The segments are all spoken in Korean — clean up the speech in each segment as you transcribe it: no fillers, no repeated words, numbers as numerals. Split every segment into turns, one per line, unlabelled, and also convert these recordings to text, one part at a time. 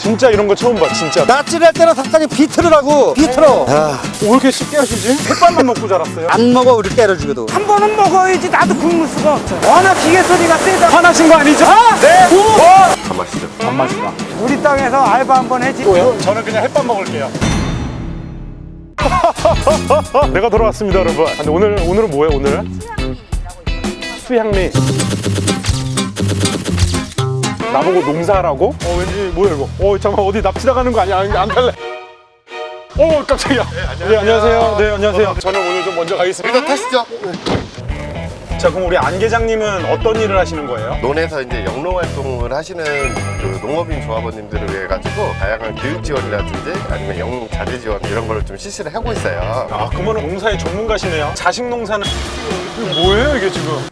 진짜 이런 거 처음 봐 진짜.
낯질할 때는 닭다리 비틀으라고. 비틀어.
왜 이렇게 쉽게 하시지? 햇반만 먹고 자랐어요?
안 먹어 우리 때려주고도.
한 번은 먹어야지. 나도 굶을 수가 없어. 워낙 기계 소리가 세다.
화나신 거 아니죠? 네!
단맛이죠.
단맛이다.
우리 땅에서 알바 한번 해지.
저는 그냥 햇반 먹을게요. 내가 돌아왔습니다 여러분. 근데 오늘은 뭐예요 오늘? 수향리. 나보고 농사하라고? 왠지 뭐야 이거? 잠깐만 어디 납치다 가는 거 아니야? 안 갈래. 깜짝이야. 네 안녕하세요. 네 안녕하세요. 저는 오늘 좀 먼저 가겠습니다.
일단 타시죠.
자 그럼 우리 안 계장님은 어떤 일을 하시는 거예요?
논에서 이제 영농 활동을 하시는 그 농업인 조합원님들을 위해 가지고 다양한 교육 지원이라든지 아니면 영농 자재 지원 이런 거를 좀 실시를 하고 있어요.
아 그러면 농사의 전문가시네요. 자식 농사는 이게 뭐예요 이게 지금?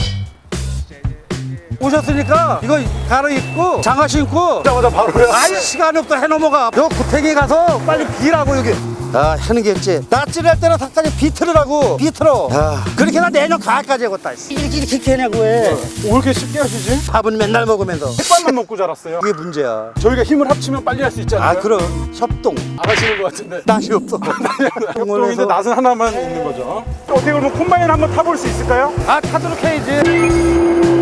오셨으니까 이거 갈아입고 장화 신고.
오자마자 바로요.
아이 시간이 없다 해 넘어가. 요 구탱이 가서 빨리 비라고 여기. 아 하는 게 있지. 낯질할 때는 닭다리 비틀으라고. 비틀어. 그렇게 나 내년 가을까지 해겠다. 이렇게 하냐고 해.
왜 이렇게 쉽게 하시지?
밥은 맨날 먹으면서.
햇반만 먹고 자랐어요.
그게 문제야.
저희가 힘을 합치면 빨리 할 수 있잖아요.
아 그럼 협동.
안 하시는 것 같은데.
낯이 없어.
협동인데 낯은 하나만 있는 거죠. 어떻게 그러면 콤바인 한번 타볼 수 있을까요?
아 타도록 해야지.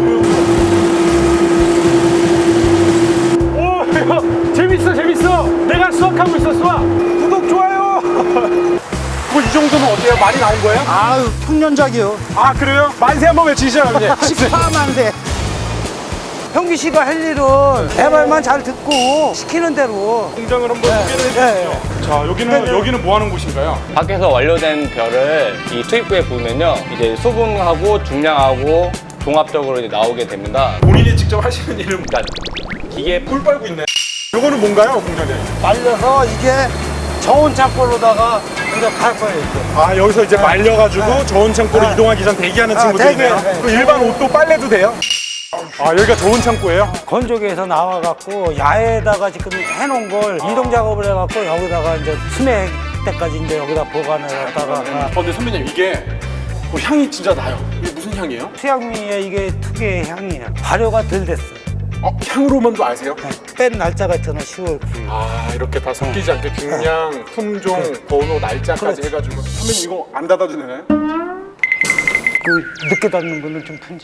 오 이거 재밌어. 내가 수학하고 있어 수학. 구독 좋아요. 뭐 이 정도면 어때요? 많이 나온 거예요?
아유 평년작이요.
아 그래요? 만세 한번 외치시죠 형님.
14만세.
형기 씨가 할 일은 내 말만 잘 듣고 시키는 대로.
공장을 한번 소개를 해주세요. 자 여기는 뭐 하는 곳인가요?
밖에서 완료된 벼를 이 투입구에 부으면요, 이제 수분하고 중량하고 종합적으로 이제 나오게 됩니다.
본인이 직접 하시는 일은
그러니까 기계
꿀 빨고 있네. 요거는 뭔가요 공장장님?
말려서 이게 저온 창고로다가 이제 갈 거예요. 이제.
아 여기서 이제 말려가지고 저온 창고로 이동하기 전 대기하는 친구들이네요.
대기.
그 일반 옷도 빨래도 돼요? 아 여기가 저온 창고예요?
건조기에서 나와갖고 야외에다가 지금 해놓은 걸 이동 작업을 해갖고 여기다가 이제 수맥 때까지 이제 여기다 보관을 했다가
근데 선배님 이게 향이 진짜 나요. 이게 무슨 향이에요?
수양미의 이게 특유의 향이에요. 발효가 덜 됐어요.
향으로만도 아세요?
뺀 날짜가 저는 10월 9일.
아 이렇게 다 섞이지 않게 중량, 품종, 번호, 날짜까지 해가지고 선배님 이거 안 닫아도 되나요?
그 늦게 닫는 분은 좀 푼지.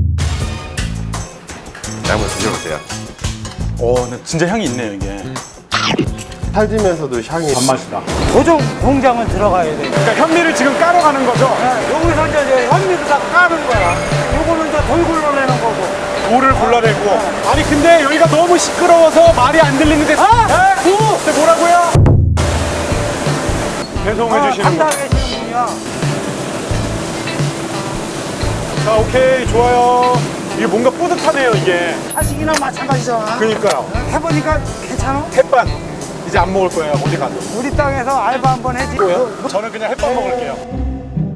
한번 드셔보세요.
근데 진짜 향이 있네요 이게.
살지면서도 향이
단맛이다.
보조 공장은 들어가야 돼.
그러니까 현미를 지금 까러 가는 거죠?
여기서 이제 현미도 다 까는 거야. 요거는 이제 돌 굴러내는 거고.
돌을 골라내고. 아니 근데 여기가 너무 시끄러워서 말이 안 들리는데. 근데 뭐라고요? 배송해 주시는 거.
담당해 주시는 분이야.
자 오케이 좋아요. 이게 뭔가 뿌듯하네요 이게.
하식이나 마찬가지잖아.
그러니까요.
해보니까 괜찮아?
햇반 이제 안 먹을 거예요 어디 가도.
우리 땅에서 알바 한번 해지.
저는 그냥 햇반 먹을게요.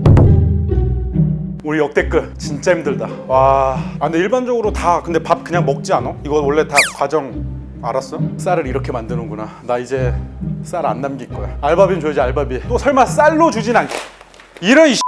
우리 역대급 진짜 힘들다. 와. 근데 일반적으로 다 근데 밥 그냥 먹지 않아? 이거 원래 다 과정 알았어? 쌀을 이렇게 만드는구나. 나 이제 쌀 안 남길 거야. 알바비는 줘야지 알바비. 또 설마 쌀로 주진 않겠. 이런